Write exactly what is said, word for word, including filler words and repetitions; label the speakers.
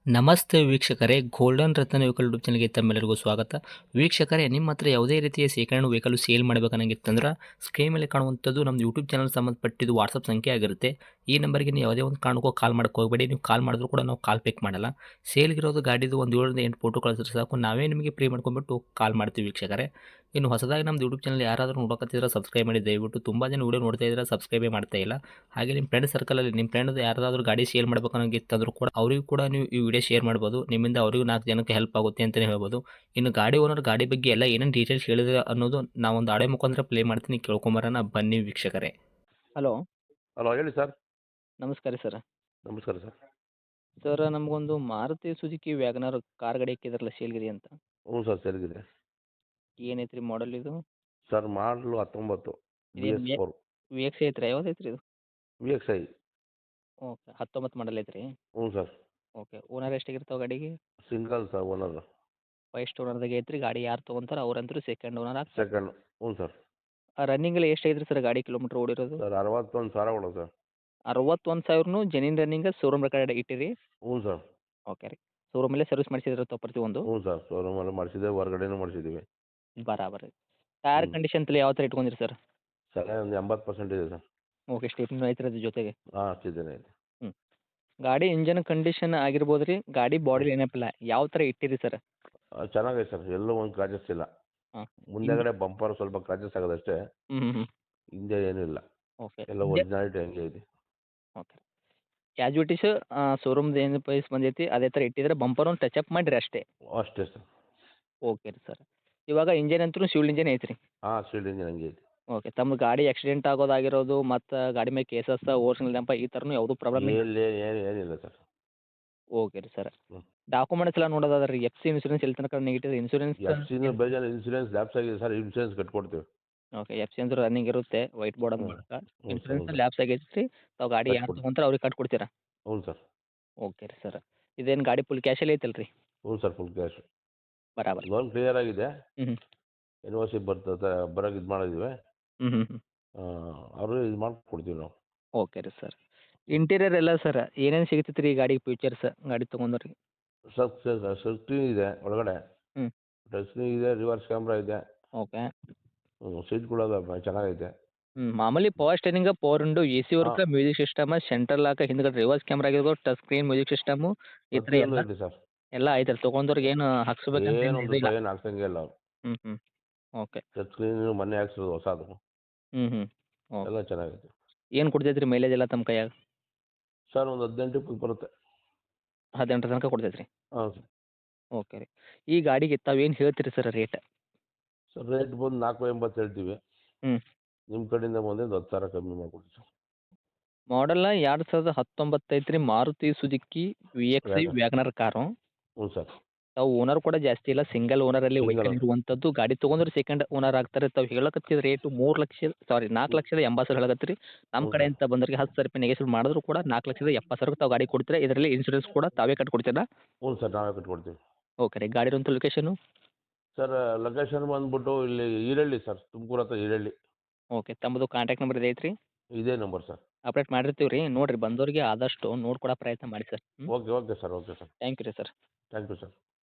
Speaker 1: ನಮಸ್ತೆ ವೀಕ್ಷಕರೇ, ಗೋಲ್ಡನ್ ರತ್ನ vehicle YouTube ಚಾನಲ್ಗೆ ತಮ್ಮೆಲ್ಲರಿಗೂ ಸ್ವಾಗತ. ವೀಕ್ಷಕರೇ, ನಿಮ್ಮ ಹತ್ರ ಯಾವುದೇ ರೀತಿಯ ಶೇಖರಣೆ ವೆಹಿಕಲ್ ಸೇಲ್ ಮಾಡಬೇಕನ್ನಂಗಿತ್ತಂದ್ರೆ ಸ್ಕ್ರೀನ್ ಮೇಲೆ ಕಾಣುವಂಥದ್ದು ನಮ್ಮ ಯೂಟ್ಯೂಬ್ ಚಾನಲ್ ಸಂಬಂಧಪಟ್ಟಿದ್ದು ವಾಟ್ಸಪ್ ಸಂಖ್ಯೆ ಆಗಿರುತ್ತೆ. ಈ ನಂಬರ್ಗೆ ನೀವು ಯಾವುದೇ ಒಂದು ಕಾರಣಕ್ಕೂ ಕಾಲ್ ಮಾಡಕ್ಕೆ ಹೋಗಬೇಡಿ. ನೀವು ಕಾಲ್ ಮಾಡಿದ್ರು ಕೂಡ ನಾವು ಕಾಲ್ ಪಿಕ್ ಮಾಡಲ್ಲ. ಸೇಲ್ಗಿರೋದು ಗಾಡಿದು ಒಂದು ಏಳರಿಂದ ಎಂಟು ಫೋಟೋ ಕಳಿಸಿದ್ರೆ ಸಾಕು, ನಾವೇ ನಿಮಗೆ ಪ್ರೀ ಮಾಡ್ಕೊಂಡ್ಬಿಟ್ಟು ಕಾಲ್ ಮಾಡ್ತೀವಿ ವೀಕ್ಷಕರೇ. ಇನ್ನು ಹೊಸದಾಗಿ ನಮ್ಮದು ಯೂಟ್ಯೂಬ್ ಚಾನಲ್ ಯಾರಾದರೂ ನೋಡೋಕತ್ತಿದ್ರೆ ಸಬ್ಸ್ಕ್ರೈಬ್ ಮಾಡಿ ದಯವಿಟ್ಟು. ತುಂಬ ಜನ ವೀಡಿಯೋ ನೋಡ್ತಾ ಇದ್ದಾರೆ, ಸಬ್ಸ್ಕ್ರೈಬೇ ಮಾಡ್ತಾ ಇಲ್ಲ. ಹಾಗೆ ನಿಮ್ಮ ಫ್ರೆಂಡ್ ಸರ್ಕಲಲ್ಲಿ ನಿಮ್ಮ ಫ್ರೆಂಡ್ ಯಾರಾದರೂ ಗಾಡಿ ಸೇಲ್ ಮಾಡ್ಬೇಕನ್ನೋಂಗಿತ್ತಂದ್ರೂ ಕೂಡ ಅವರಿಗೂ ಕೂಡ ನೀವು ಈ ವಿಡಿಯೋ ಶೇರ್ ಮಾಡ್ಬೋದು. ನಿಮ್ಮಿಂದ ಅವರಿಗೂ ನಾಲ್ಕು ಜನಕ್ಕೆ ಹೆಲ್ಪ್ ಆಗುತ್ತೆ ಅಂತಲೇ ಹೇಳ್ಬೋದು. ಇನ್ನು ಗಾಡಿ ಓನರ್ ಗಾಡಿ ಬಗ್ಗೆ ಎಲ್ಲ ಏನೇನು ಡೀಟೇಲ್ಸ್ ಹೇಳಿದ್ರೆ ಅನ್ನೋದು ನಾವೊಂದು ಆಡೆ ಮುಖಾಂತರ ಪ್ಲೇ ಮಾಡ್ತೀನಿ, ಕೇಳ್ಕೊಂಬರೋಣ ಬನ್ನಿ ವೀಕ್ಷಕರೇ. ಹಲೋ,
Speaker 2: ಹಲೋ ಹೇಳಿ ಸರ್.
Speaker 1: ನಮಸ್ಕಾರ ಸರ್.
Speaker 2: ನಮಸ್ಕಾರ ಸರ್.
Speaker 1: ಸರ್, ನಮಗೊಂದು ಮಾರುತಿ ಸುಜುಕಿ ವ್ಯಾಗನರ್ ಕಾರ್ ಗಾಡಿ ಹಾಕಿದ್ರಲ್ಲ ಸೇಲ್ಗಿರಿ ಅಂತ.
Speaker 2: ಹ್ಞೂ ಸರ್, ಸರಿಗಿದೆ.
Speaker 1: ಏನೈತ್ರಿ ಮಾಡಲ್ ಇದು?
Speaker 2: ಸರ್ ಮಾಡಲು ಹತ್ತೊಂಬತ್ತು ಬಿ
Speaker 1: ಇದೇನು
Speaker 2: S
Speaker 1: V
Speaker 2: four
Speaker 1: V X ಐತ್ರಿ? ಯಾವ್ದು ಐತ್ರಿ ಇದು?
Speaker 2: V X I.
Speaker 1: ಓಕೆ, ಹತ್ತೊಂಬತ್ತು ಮಾಡಲ್ ಐತ್ರಿ.
Speaker 2: ಹ್ಞೂ ಸರ್.
Speaker 1: ಓಕೆ, ಓನರ್ ಎಷ್ಟಾಗಿರ್ತಾವೆ ಗಾಡಿಗೆ?
Speaker 2: Single sir owner.
Speaker 1: ಫಸ್ಟ್ ಓನರ್ದಾಗ ಐತ್ರಿ. ಗಾಡಿ ಯಾರು ತೊಗೊಂತಾರೆ ಅವ್ರಂತರೂ ಸೆಕೆಂಡ್ ಓನರ್ ಆಗ್ತಾರೆ.
Speaker 2: ಸೆಕೆಂಡ್. ಹ್ಞೂ ಸರ್.
Speaker 1: ರನ್ನಿಂಗ್ ಎಲ್ಲ ಎಷ್ಟು ಐತ್ರಿ ಸರ್ ಗಾಡಿ ಕಿಲೋಮೀಟ್ರ್ ಓಡಿರೋದು?
Speaker 2: ಸರ್ ಅರವತ್ತೊಂದು ಸಾವಿರ ಕೊಡು ಸರ್.
Speaker 1: ಅರವತ್ತೊಂದು ಸಾವಿರನು ಜೆನ್ಯೂನ್ ರನ್ನಿಂಗ್ ಶೋರೂಮ್ ರೆಕಾರ್ಡ್ ಇಟ್ಟಿರಿ?
Speaker 2: ಹ್ಞೂ ಸರ್.
Speaker 1: ಓಕೆ ರೀ. ಶೋರೂಮಲ್ಲೇ ಸರ್ವಿಸ್ ಮಾಡಿಸಿದ್ರೆ ಪ್ರತಿ ಒಂದು?
Speaker 2: ಹ್ಞೂ ಸರ್, ಶೋರೂಮಲ್ಲಿ ಮಾಡಿಸಿದ್ದೆ, ಹೊರಗಡೆನೂ ಮಾಡಿಸಿದ್ದೀವಿ.
Speaker 1: ಬರಾಬರ್. ಟೈರ್
Speaker 2: ಹ್ಞೂ
Speaker 1: ಕಂಡೀಷನ್ ತಲೆ ಯಾವ ಥರ ಇಟ್ಕೊಂಡಿರಿ ಸರ್?
Speaker 2: ಸರ್ ಒಂದು ಎಂಬತ್ತು ಪರ್ಸೆಂಟ್ ಇದೆ ಸರ್.
Speaker 1: ಓಕೆ, ಸ್ಟೇಪ್ನೂ ಐತ್ರಿ ಅದ್ರ ಜೊತೆಗೆ?
Speaker 2: ಹಾಂ ಅಷ್ಟಿದ್ದೇನೆ ಇದೆ.
Speaker 1: ಹ್ಞೂ. ಗಾಡಿ ಇಂಜನ್ ಕಂಡೀಷನ್ ಆಗಿರ್ಬೋದು ರೀ, ಗಾಡಿ ಬಾಡಿ ಏನಪ್ಪಿಲ್ಲ ಯಾವ ಥರ ಇಟ್ಟಿರಿ ಸರ್?
Speaker 2: ಚೆನ್ನಾಗೈತೆ ಸರ್, ಎಲ್ಲೂ ಒಂದು ಕ್ರಾಚಸ್ ಇಲ್ಲ.
Speaker 1: ಹಾಂ.
Speaker 2: ಮುಂದೆಗಡೆ ಬಂಪರ್ ಸ್ವಲ್ಪ ಕ್ರಾಚಸ್ ಆಗೋದಷ್ಟೇ,
Speaker 1: ಹ್ಞೂ ಹ್ಞೂ ಹ್ಞೂ.
Speaker 2: ಹಿಂದೆ ಏನೂ ಇಲ್ಲ.
Speaker 1: ಓಕೆ.
Speaker 2: ಎಲ್ಲ ಒರಿಜಿನಾಲಿಟಿ ಹಂಗೆ ಇದೆ.
Speaker 1: ಓಕೆ. ಕ್ಯಾಜುವಿಟೀಸ್ ಶೋರೂಮ್ದು ಏನು ಪ್ರೈಸ್ ಬಂದೈತಿ ಅದೇ ಥರ ಇಟ್ಟಿದ್ರೆ, ಬಂಪರ್ ಒಂದು ಟಚ್ ಅಪ್ ಮಾಡಿರಿ ಅಷ್ಟೇ?
Speaker 2: ಅಷ್ಟೇ ಸರ್.
Speaker 1: ಓಕೆ ರೀ ಸರ್. ಇವಾಗ ಇಂಜನ್ ಅಂತೂ ಶಿವ್ಲ್ ಇಂಜನ್ ಐತ್ರಿ?
Speaker 2: ಹಾಂ ಸ್ಟೀಲ್ ಇಂಜಿನ್ ಹಂಗೆ ಐತಿ.
Speaker 1: ಓಕೆ. ತಮ್ಮ ಗಾಡಿ ಆಕ್ಸಿಡೆಂಟ್ ಆಗೋದಾಗಿರೋದು ಮತ್ತು ಗಾಡಿ ಮೇಲೆ ಕೇಸಸ್, ಓರ್ಜಿನಲ್ ಡೆಂಪ ಈ ಥರನೂ ಯಾವುದೂ ಪ್ರಾಬ್ಲಮ್ ಇಲ್ಲ?
Speaker 2: ಎಲ್ಲಿ ಏನು ಏನಿಲ್ಲ ಸರ್.
Speaker 1: ಓಕೆ ರೀ ಸರ್.
Speaker 2: ಹ್ಞೂ.
Speaker 1: ಡಾಕ್ಯುಮೆಂಟ್ಸ್ ಎಲ್ಲ ನೋಡೋದಾದ್ರೆ ರೀ, ಎಫ್ ಸಿ ಇನ್ಸೂರೆನ್ಸ್ ಎಲ್ಲಿ ತನಕ ನೆಗೆಟಿವ್ ಇನ್ಸೂರೆನ್ಸ್?
Speaker 2: ಎಫ್ ಸಿನೂ ಬೇಜಾರು ಇನ್ಸೂರೆನ್ಸ್ ಲ್ಯಾಪ್ಸ್ ಆಗಿದೆ ಸರ್, ಇನ್ಸೂರೆನ್ಸ್ ಕಟ್ಕೊಡ್ತೀವಿ.
Speaker 1: ಓಕೆ. ಎಫ್ ಸಿ ಅಂದ್ರೆ ರನ್ನಿಂಗ್ ಇರುತ್ತೆ, ವೈಟ್ ಬೋರ್ಡ್
Speaker 2: ಹ್ಞೂ.
Speaker 1: ಮೂಲಕ.
Speaker 2: ಹ್ಞೂ ಸರ್, ಹ್ಞೂ
Speaker 1: ಇನ್ಸೂರೆನ್ಸ್
Speaker 2: ಸರ್.
Speaker 1: ಲ್ಯಾಪ್ಸ್ ಆಗೈತೆ ರೀ. ತಾವು ಗಾಡಿ ಯಾರು
Speaker 2: ಕಟ್ಕೊಡ್ತೀವಿ.
Speaker 1: ತೊಗೊಂತಾರೆ ಅವ್ರಿಗೆ ಕಟ್ಕೊಡ್ತೀರಾ?
Speaker 2: ಹ್ಞೂ ಸರ್.
Speaker 1: ಓಕೆ ರೀ ಸರ್. ಇದೇನು ಗಾಡಿ ಫುಲ್ ಕ್ಯಾಶಲ್ಲಿ ಐತಲ್ಲ ರೀ?
Speaker 2: ಹ್ಞೂ ಸರ್, ಫುಲ್ ಕ್ಯಾಶ್.
Speaker 1: ಬರಾಬರ್.
Speaker 2: ಲೋನ್ ಕ್ಲಿಯರ್ ಆಗಿದೆ.
Speaker 1: ಹ್ಞೂ ಹ್ಞೂ.
Speaker 2: ಎನ್ ಓ ಸಿ ಬರ್ತದೆ ಬರೋಕೆ ಇದು ಮಾಡಿದ್ದೀವಿ.
Speaker 1: ಹ್ಞೂ ಹ್ಞೂ ಹ್ಞೂ.
Speaker 2: ಅವರು ಇದು ಮಾಡ್ಕೊಡ್ತೀವಿ ನಾವು.
Speaker 1: ಓಕೆ ರೀ ಸರ್. ಇಂಟೀರಿಯರ್ ಎಲ್ಲ ಸರ್ ಏನೇನು ಸಿಗ್ತೈತೆ ರೀ ಗಾಡಿ ಫೀಚರ್ಸ್ ಗಾಡಿ ತೊಗೊಂಡವ್ರಿಗೆ?
Speaker 2: ಸರ್ ಸ್ಕ್ರೀನ್ ಇದೆ ಒಳಗಡೆ.
Speaker 1: ಹ್ಞೂ.
Speaker 2: ಟಚ್ ಸ್ಕ್ರೀನ್ ಇದೆ, ರಿವರ್ಸ್ ಕ್ಯಾಮ್ರಾ ಇದೆ.
Speaker 1: ಓಕೆ.
Speaker 2: ಹ್ಞೂ ಸೀಟ್ಗಳು ಚೆನ್ನಾಗೈತೆ.
Speaker 1: ಹ್ಞೂ. ಮಾಮೂಲಿ power steering, power window, A C work,
Speaker 2: ಹಾಂ.
Speaker 1: ಮ್ಯೂಸಿಕ್ ಸಿಸ್ಟಮ್, ಸೆಂಟ್ರಲ್ ಲಾಕ್, ಹಿಂದ್ಗಡೆ ರಿವರ್ಸ್ ಕ್ಯಾಮ್ರಾ ಆಗಿರ್ಬೋದು, ಟಚ್ ಸ್ಕ್ರೀನ್, ಮ್ಯೂಸಿಕ್ ಸಿಸ್ಟಮು ಈ ಥರ
Speaker 2: ಪ್ರತಿಯೊಂದು
Speaker 1: ಎಲ್ಲ
Speaker 2: ಐತೆ ಸರ್.
Speaker 1: ಎಲ್ಲ ಐತಲ್ಲ? ತೊಗೊಂಡವ್ರಿಗೆ ಏನು ಹಾಕ್ಸ್ಬೇಕಂತ ಏನು
Speaker 2: ಏನೊಂದು
Speaker 1: ಇದಿಲ್ಲ?
Speaker 2: ರೂಪಾಯಿ ಏನು ಹಾಕ್ಸಂಗೆ ಇಲ್ಲ ಅವ್ರು.
Speaker 1: ಹ್ಞೂ ಹ್ಞೂ. ಓಕೆ.
Speaker 2: ಟಚ್ ಸ್ಕ್ರೀನು ಮೊನ್ನೆ ಹಾಕ್ಸಿರೋದು ಹೊಸದು.
Speaker 1: ಹ್ಞೂ ಹ್ಞೂ. ಓಕೆ.
Speaker 2: ಎಲ್ಲ ಚೆನ್ನಾಗೈತೆ.
Speaker 1: ಏನು ಕೊಡ್ತೈತೆ ರೀ ಮೈಲೇಜ್ ಎಲ್ಲ ತಮ್ಮ ಕೈಯಾಗ?
Speaker 2: ಸರ್ ಒಂದು ಹದಿನೆಂಟು ಇಪ್ಪತ್ತು ಬರುತ್ತೆ.
Speaker 1: ಹದಿನೆಂಟರ ತನಕ ಕೊಡ್ತೈತೆ ರೀ?
Speaker 2: ಹಾಂ ಸರ್.
Speaker 1: ಓಕೆ ರೀ. ಈ ಗಾಡಿಗೆ ತಾವೇನು ಹೇಳ್ತೀರಿ ಸರ್ ರೇಟ್?
Speaker 2: ಸರ್ ರೇಟ್ ಬಂದು ನಾಲ್ಕು ಎಂಬತ್ತು ಹೇಳ್ತೀವಿ.
Speaker 1: ಹ್ಞೂ.
Speaker 2: ನಿಮ್ಮ ಕಡೆಯಿಂದ ಬಂದು ಒಂದು ಹತ್ತು ಸಾವಿರ ಕಮ್ಮಿ ಮಾಡಿಕೊಡಿ ಸರ್.
Speaker 1: ಮಾಡಲ್ಲ ಎರಡು ಸಾವಿರದ ಹತ್ತೊಂಬತ್ತು ಐತ್ರಿ, Maruti Suzuki V X I
Speaker 2: Wagon.
Speaker 1: Wagon R car.
Speaker 2: ಹ್ಞೂ ಸರ್.
Speaker 1: ತಾವು ಓನರ್ ಕೂಡ ಜಾಸ್ತಿ ಇಲ್ಲ, ಸಿಂಗಲ್ ಓನರಲ್ಲಿ
Speaker 2: ಸಿಂಗಲ್
Speaker 1: ವೆಹಿಕಲ್
Speaker 2: ಓನರ್.
Speaker 1: ಇರುವಂಥದ್ದು. ಗಾಡಿ ತೊಗೊಂಡ್ರೆ ಸೆಕೆಂಡ್ ಓನರ್ ಆಗ್ತಾರೆ. ತಾವು ಹೇಳಕತ್ತಿದ ರೇಟು ಮೂರು ಲಕ್ಷ ಸಾರಿ ನಾಲ್ಕು ಲಕ್ಷದ ಎಂಬತ್ತು ಸಾವಿರ ಹೇಳಕತ್ತೀರಿ. ನಮ್ಮ
Speaker 2: ಹ್ಞೂ ಸರ್.
Speaker 1: ಕಡೆಯಿಂದ ಬಂದವರಿಗೆ ಹತ್ತು ಸಾವಿರ ರೂಪಾಯಿ ನೆಗೆಸಿಬಲ್ ಮಾಡಿದ್ರು ಕೂಡ ನಾಲ್ಕು ಲಕ್ಷದ ಎಪ್ಪತ್ತು ಸಾವಿರಕ್ಕೆ ತಾವು ಗಾಡಿ ಕೊಡ್ತೀರಾ? ಇದರಲ್ಲಿ ಇನ್ಶೂರೆನ್ಸ್ ಕೂಡ ತಾವೇ ಕಟ್ಕೊಡ್ತೀರಾ?
Speaker 2: ಹ್ಞೂ ಸರ್, ನಾವೇ ಕಟ್ಕೊಡ್ತೀವಿ.
Speaker 1: ಓಕೆ ರೀ. ಗಾಡಿ ಇರುವಂಥ ಲೊಕೇಶನು?
Speaker 2: ಸರ್ ಲೊಕೇಶನ್ ಬಂದ್ಬಿಟ್ಟು ಇಲ್ಲಿ ಈರಳ್ಳಿ ಸರ್, ತುಮಕೂರು ಹತ್ರ ಈರಳ್ಳಿ.
Speaker 1: ಓಕೆ. ತಮ್ಮದು ಕಾಂಟ್ಯಾಕ್ಟ್ ನಂಬರ್ ಇದೆ ಐತ್ರಿ?
Speaker 2: ಇದೇ ನಂಬರ್ ಸರ್.
Speaker 1: ಅಪ್ಡೇಟ್ ಮಾಡಿರ್ತೀವಿ ರೀ. ನೋಡಿರಿ ಬಂದವರಿಗೆ ಆದಷ್ಟು ನೋಡ್ಕೊಡೋ ಪ್ರಯತ್ನ ಮಾಡಿ ಸರ್. ಹ್ಞೂ.
Speaker 2: Okay okay sir, okay sir.
Speaker 1: Thank you ರೀ ಸರ್.
Speaker 2: Thank you sir.